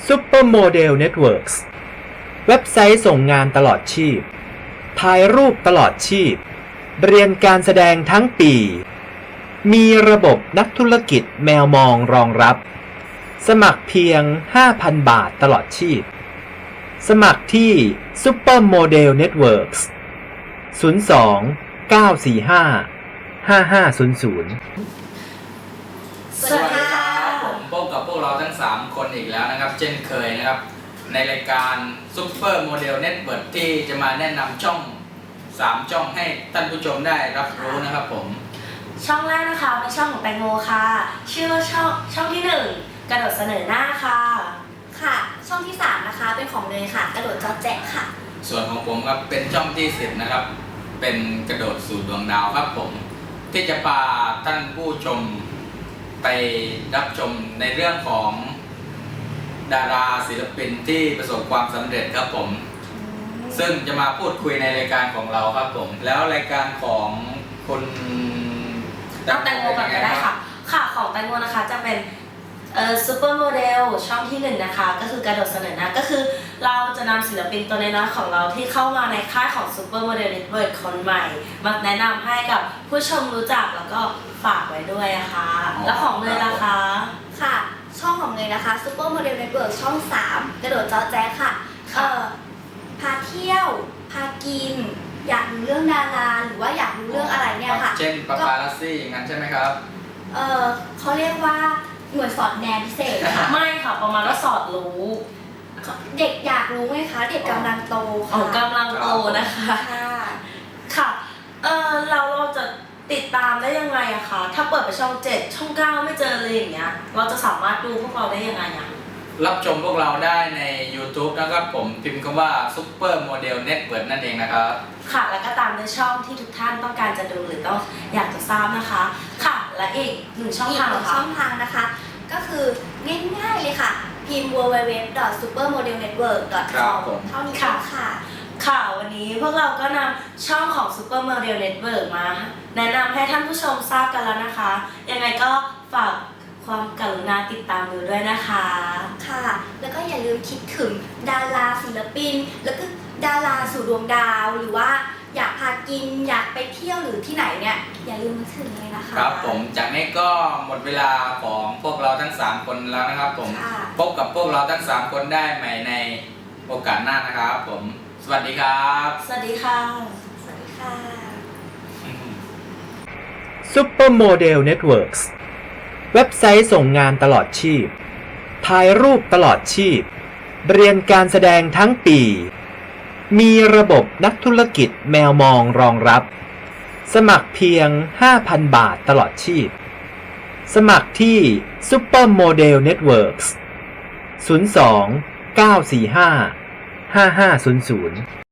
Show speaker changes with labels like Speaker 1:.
Speaker 1: Supermodel Networks เว็บไซต์ส่งงานตลอดชีพถ่ายรูปตลอดชีพเรียนการแสดงทั้งปีมีระบบนักธุรกิจแมวมองรองรับสมัครเพียง 5,000 บาทตลอดชีพสมัครที่ Supermodel Networks 02 945 5500
Speaker 2: สวัสดีครับผมพบกับพวกเราทั้ง3คนอีกแล้วนะครับเช่นเคยนะครับในรายการ Super Model Network ที่จะมาแนะนำช่อง3ช่องให้ท่านผู้ชมได้รับรู้นะครับผม
Speaker 3: ช่องแรกนะคะเป็นช่องของแตงโมค่ะชื่อว่าช่องที่1กระโดดเสนอหน้าค่ะ
Speaker 4: ช่องที่3นะคะเป็นของเนยค่ะกระโดดจอแจ๊ะค่ะ
Speaker 2: ส่วนของผมครับเป็นช่องที่10นะครับเป็นกระโดดสู่ดวงดาวครับผมที่จะพาท่านผู้ชมไปรับชมในเรื่องของดาราศิลปินที่ประสบความสำเร็จครับผมซึ่งจะมาพูดคุยในรายการของเราครับผมแล้วรายการของคุณ
Speaker 3: แตงโมก่อนก็ได้ค่ะของแตงโมนะคะจะเป็นซูเปอร์โมเดลช่องที่1นะคะก็คือกระโดดเสนอหน้าก็คือเราจะนำศิลปินตัวน้อยๆของเราที่เข้ามาในค่ายของซูเปอร์โมเดลเน็ตเวิร์คคนใหม่มาแนะนำให้กับผู้ชมรู้จักแล้วก็ฝากไว้ด้วยนะคะแล้วของเนยล่ะคะ
Speaker 4: ค่ะช่องของเนยนะคะ Super Model Network ช่อง3กระโดดจอแจ๊ะค่ะพาเที่ยวพากินอยากรู้เรื่องดาราหรือว่าอยากรู้เรื่องอะไรเนี่ยค่ะ
Speaker 2: เช่นปาปารัสซี่อย่างนั้นใช่ไหมครับ
Speaker 4: เขาเรียกว่าหน่วยสอดแนมพิเศษค่ะ
Speaker 3: ไม่ค่ะประมาณว่าสอดรู้
Speaker 4: เด็กอยากรู้ไหมคะเด็กกำลังโตค่ะ
Speaker 3: กำลังโตนะคะค่ะเราจะติดตามได้ยังไงอะคะถ้าเปิดไปช่อง7ช่อง9ไม่เจอเลยอย่างเงี้ยเราจะสามารถดูพวกเราได้ยังไงอะ
Speaker 2: รับชมพวกเราได้ใน YouTube นะครับผมพิมพ์คำว่า Super Model Network นั่นเองนะครับ
Speaker 3: ค่ะแล้วก็ตามด้วยช่องที่ทุกท่านต้องการจะดูหรือต้องอยากจะทราบนะคะค่ะและอีก1ช่องทาง
Speaker 4: นะคะก็คือง่ายๆเลยค่ะพิมพ์ www.supermodelnetwork.com เท่านี้ค่ะ
Speaker 3: วันนี้พวกเราก็นำช่องของ Super Model Network มาแนะนำให้ท่านผู้ชมทราบกันแล้วนะคะยังไงก็ฝากความกรุณาติดตามดูด้วยนะคะ
Speaker 4: ค่ะแล้วก็อย่าลืมคิดถึงดาราศิลปินแล้วก็ดาราสู่ดวงดาวหรือว่าอยากพากินอยากไปเที่ยวหรือที่ไหนเนี่ยอย่าลืมนึกถึงเลยนะคะ
Speaker 2: ครับผมจากนี้ก็หมดเวลาของพวกเราทั้ง3คนแล้วนะครับผมพบกับพวกเราทั้ง3คนได้ใหม่ในโอกาสหน้านะครับผมสวัสดีครับ
Speaker 3: สวัสดีค่ะ
Speaker 4: สวัสดีค่ะ
Speaker 1: Supermodel Networks เว็บไซต์ส่งงานตลอดชีพถ่ายรูปตลอดชีพเรียนการแสดงทั้งปีมีระบบนักธุรกิจแมวมองรองรับสมัครเพียง 5,000 บาทตลอดชีพสมัครที่ Supermodel Networks 02 945 5500